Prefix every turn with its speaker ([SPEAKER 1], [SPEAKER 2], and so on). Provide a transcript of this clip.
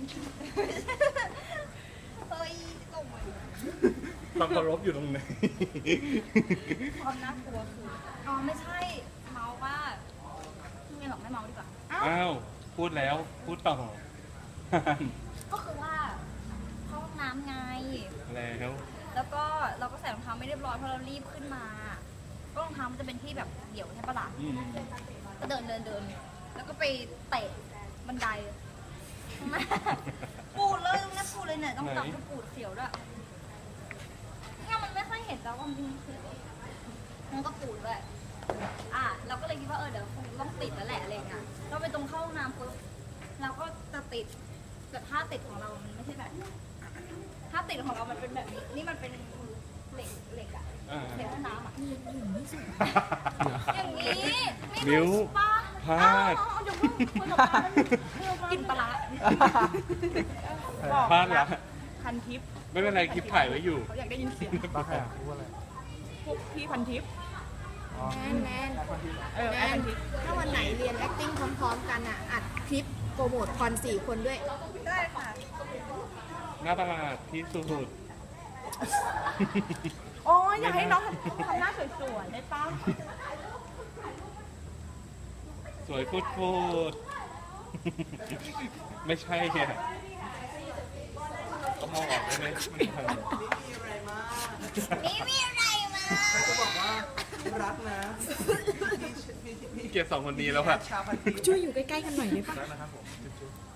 [SPEAKER 1] เฮ้ยตกมา
[SPEAKER 2] ความเคารพอยู่ตรงไหน
[SPEAKER 1] ความน่ากลัวคืออ๋อไม่ใช่เมาว่าไม่หรอกไม่เมาดีกว่า
[SPEAKER 2] อ้าวพูดแล้วพูดต่อ
[SPEAKER 1] ก็คือว่าเข้าห้องน้ำไง
[SPEAKER 2] แล้ว
[SPEAKER 1] ก็เราก็ใส่รองเท้าไม่เรียบร้อยเพราะเรารีบขึ้นมาก็รองเท้ามันจะเป็นที่แบบเดี่ยวใช่ปะล่ะก็เดินแล้วก็ไปเตะบันไดปูดเลยตรงนี้ปูดเลยเนี่ยต้องจับก็ปูดเสียวด้วยเนี่ยมันไม่ค่อยเห็นแล้วว่ามันคือมันก็ปูดด้วยเราก็เลยคิดว่าเดี๋ยวคงต้องติดแล้วแหละอะไรเงี้ยเราไปตรงเข้าห้องน้ำปุ๊บเราก็จะติดแต่ท่าติดของเรามันไม่ใช่แบบท่าติดของเรามันเป็นแบบนี้นี่มันเป็นเหล็กอะเหล็กห้องน้ำอะอย่างนี้
[SPEAKER 2] มิ้วพลาด
[SPEAKER 1] กินปลา
[SPEAKER 2] พลาดละ
[SPEAKER 3] พันทิป
[SPEAKER 2] ไม่เป็นไรคลิปถ่ายไว้อยู่
[SPEAKER 3] เขาอยากได้ยินเสียง
[SPEAKER 4] บ้าใครอ่ะพูดอะไร
[SPEAKER 3] พวกพี่พันทิป
[SPEAKER 5] แมน
[SPEAKER 3] แอปพันทิป
[SPEAKER 5] ถ้าวันไหนเรียน acting พร้อมๆกันอ่ะอัดคลิปโปรโมทคอน4 คนด้วย
[SPEAKER 1] ได้ค่ะ
[SPEAKER 2] หน้าตลาดที่สุด
[SPEAKER 3] โอ้ยอยากให้น้องทำหน้าสวยๆได้ป้า
[SPEAKER 2] สวยพูดไม่ใช่เนี่ยก็มองออกได้ไหม
[SPEAKER 1] มีอะไรมา
[SPEAKER 4] จะบอกว่ารักนะ
[SPEAKER 2] เกลียดสองคนนี้แล้วค่ะ
[SPEAKER 5] ช่วยอยู่ใกล้ๆกันหน่อยได้ปะ
[SPEAKER 4] รักนะครับผมจุ๊บ